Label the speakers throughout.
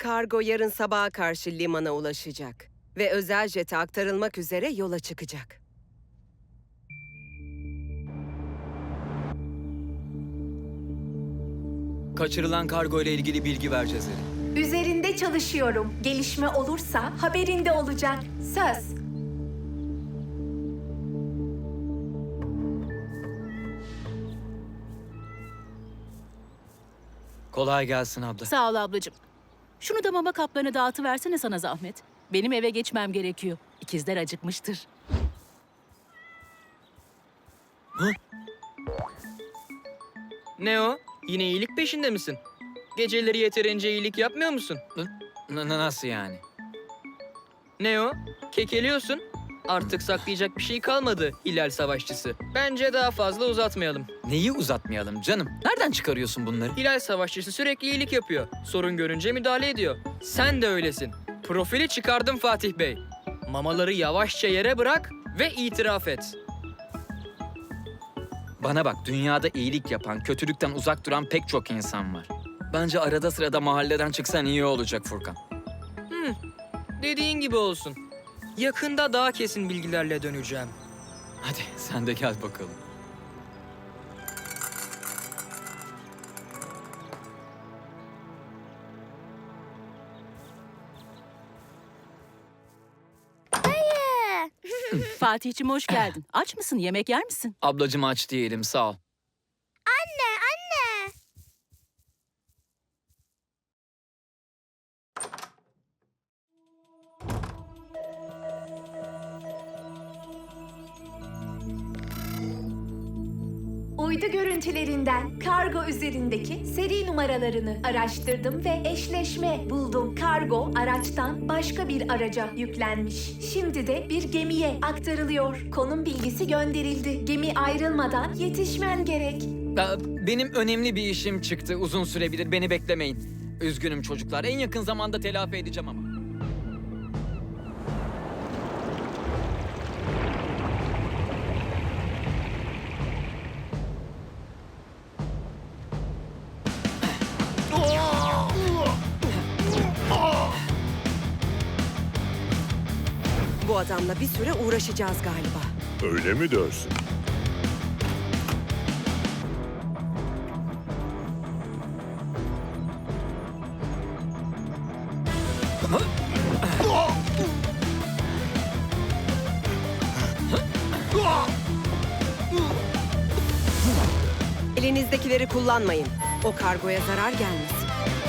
Speaker 1: kargo yarın sabaha karşı limana ulaşacak ve özel jete aktarılmak üzere yola çıkacak.
Speaker 2: Kaçırılan kargo ile ilgili bilgi vereceğiz Erin.
Speaker 3: Üzerinde çalışıyorum. Gelişme olursa haberinde olacak. Söz.
Speaker 2: Kolay gelsin abla.
Speaker 4: Sağ ol ablacığım. Şunu da mama kaplarını dağıtıversene sana zahmet. Benim eve geçmem gerekiyor. İkizler acıkmıştır.
Speaker 5: Ne o? Yine iyilik peşinde misin? Geceleri yeterince iyilik yapmıyor musun?
Speaker 2: Nasıl yani?
Speaker 5: Ne o? Kekeliyorsun. Artık saklayacak bir şey kalmadı Hilal Savaşçısı. Bence daha fazla uzatmayalım.
Speaker 2: Neyi uzatmayalım canım? Nereden çıkarıyorsun bunları?
Speaker 5: Hilal Savaşçısı sürekli iyilik yapıyor. Sorun görünce müdahale ediyor. Sen de öylesin. Profili çıkardım Fatih Bey. Mamaları yavaşça yere bırak ve itiraf et.
Speaker 2: Bana bak, dünyada iyilik yapan, kötülükten uzak duran pek çok insan var. Bence arada sırada mahalleden çıksan iyi olacak Furkan.
Speaker 5: Dediğin gibi olsun. Yakında daha kesin bilgilerle döneceğim.
Speaker 2: Hadi sen de gel bakalım.
Speaker 4: Fatih'cim hoş geldin. Aç mısın? Yemek yer misin?
Speaker 2: Ablacığım aç değilim, sağ ol.
Speaker 3: Uydu görüntülerinden kargo üzerindeki seri numaralarını araştırdım ve eşleşme buldum. Kargo araçtan başka bir araca yüklenmiş. Şimdi de bir gemiye aktarılıyor. Konum bilgisi gönderildi. Gemi ayrılmadan yetişmen gerek.
Speaker 2: Benim önemli bir işim çıktı, uzun sürebilir, beni beklemeyin. Üzgünüm çocuklar, en yakın zamanda telafi edeceğim ama.
Speaker 1: Bu adamla bir süre uğraşacağız galiba.
Speaker 6: Öyle mi dersin?
Speaker 1: Elinizdekileri kullanmayın. O kargoya zarar gelmesin.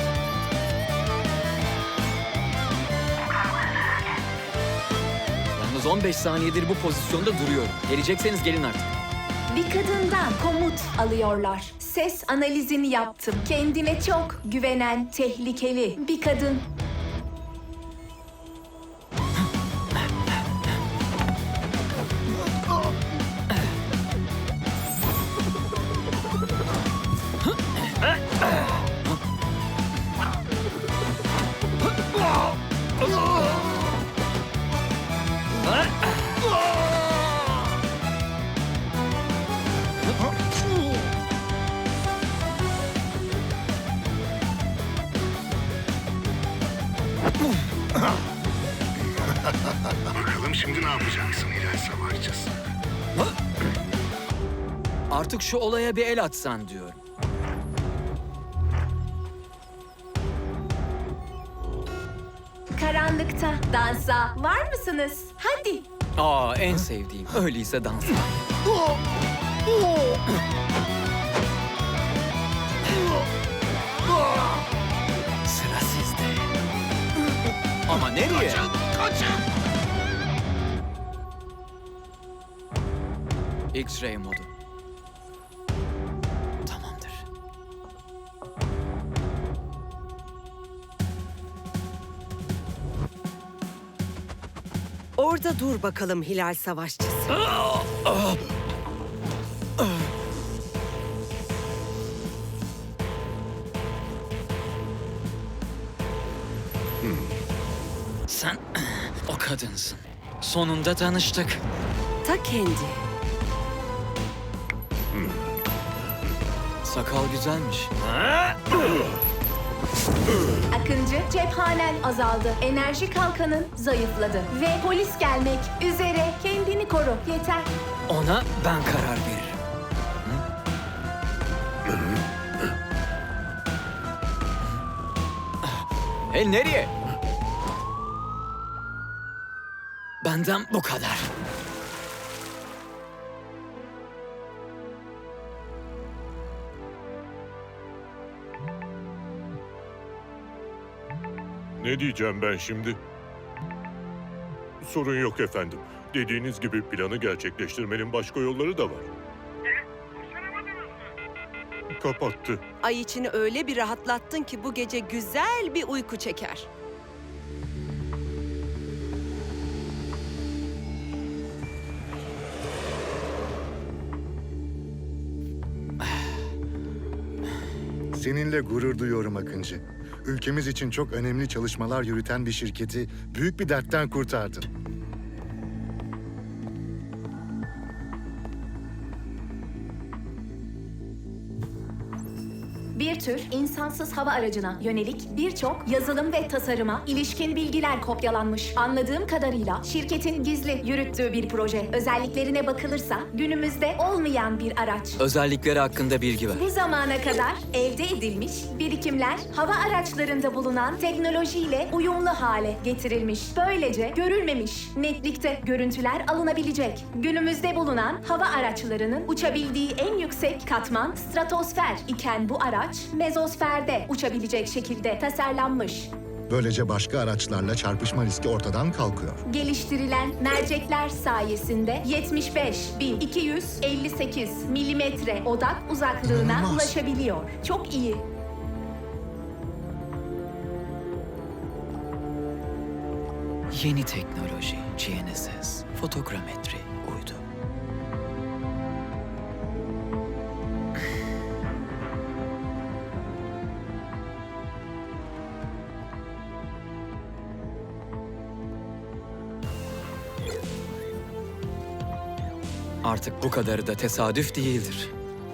Speaker 2: Yalnız 15 saniyedir bu pozisyonda duruyorum. Gelecekseniz gelin artık.
Speaker 3: Bir kadından komut alıyorlar. Ses analizini yaptım. Kendine çok güvenen, tehlikeli bir kadın.
Speaker 6: Bakalım şimdi ne yapacaksın Hilal Savaşçısı?
Speaker 2: Artık şu olaya bir el atsan diyorum.
Speaker 3: Karanlıkta dansa var mısınız? Hadi.
Speaker 2: En sevdiğim. Öyleyse dans. Sıra sizde. Ama nereye?
Speaker 6: Kaçın!
Speaker 2: X-ray modu. Tamamdır.
Speaker 1: Orada dur bakalım Hilal Savaşçısı.
Speaker 2: Sen o kadınsın. Sonunda tanıştık.
Speaker 1: Ta kendi.
Speaker 2: Sakal güzelmiş.
Speaker 3: Akıncı, cephanen azaldı. Enerji kalkanın zayıfladı. Ve polis gelmek üzere. Kendini koru. Yeter.
Speaker 2: Ona ben karar veririm. Hey, nereye? Benden bu kadar.
Speaker 7: Ne diyeceğim ben şimdi? Sorun yok efendim. Dediğiniz gibi planı gerçekleştirmenin başka yolları da var. Kapattı.
Speaker 1: Ay içini öyle bir rahatlattın ki bu gece güzel bir uyku çeker.
Speaker 6: Seninle gurur duyuyorum Akıncı. Ülkemiz için çok önemli çalışmalar yürüten bir şirketi büyük bir dertten kurtardın.
Speaker 3: Bir tür insansız hava aracına yönelik birçok yazılım ve tasarıma ilişkin bilgiler kopyalanmış. Anladığım kadarıyla şirketin gizli yürüttüğü bir proje. Özelliklerine bakılırsa günümüzde olmayan bir araç.
Speaker 2: Özellikleri hakkında bilgi ver.
Speaker 3: Bu zamana kadar elde edilmiş birikimler hava araçlarında bulunan teknolojiyle uyumlu hale getirilmiş. Böylece görülmemiş netlikte görüntüler alınabilecek. Günümüzde bulunan hava araçlarının uçabildiği en yüksek katman stratosfer iken bu araç mezosferde uçabilecek şekilde tasarlanmış.
Speaker 6: Böylece başka araçlarla çarpışma riski ortadan kalkıyor.
Speaker 3: Geliştirilen mercekler sayesinde 75.258 milimetre odak uzaklığına
Speaker 6: İnanılmaz.
Speaker 3: ulaşabiliyor. Çok iyi.
Speaker 2: Yeni teknoloji, GNSS, fotogrametri, uydu. Artık bu kadarı da tesadüf değildir.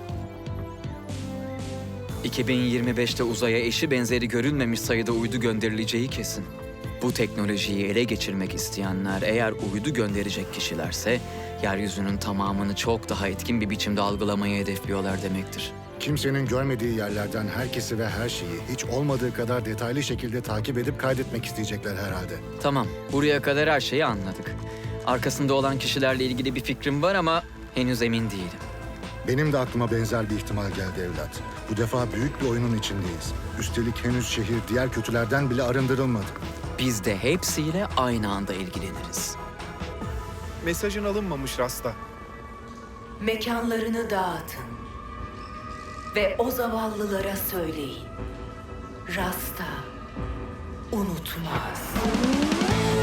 Speaker 2: 2025'te uzaya eşi benzeri görülmemiş sayıda uydu gönderileceği kesin. Bu teknolojiyi ele geçirmek isteyenler eğer uydu gönderecek kişilerse, yeryüzünün tamamını çok daha etkin bir biçimde algılamayı hedefliyorlar demektir.
Speaker 6: Kimsenin görmediği yerlerden herkesi ve her şeyi hiç olmadığı kadar detaylı şekilde takip edip kaydetmek isteyecekler herhalde.
Speaker 2: Tamam, buraya kadar her şeyi anladık. Arkasında olan kişilerle ilgili bir fikrim var ama henüz emin değilim.
Speaker 6: Benim de aklıma benzer bir ihtimal geldi evlat. Bu defa büyük bir oyunun içindeyiz. Üstelik henüz şehir diğer kötülerden bile arındırılmadı.
Speaker 2: Biz de hepsiyle aynı anda ilgileniriz.
Speaker 8: Mesajın alınmamış Rasta.
Speaker 9: Mekanlarını dağıtın ve o zavallılara söyleyin. Rasta unutmaz.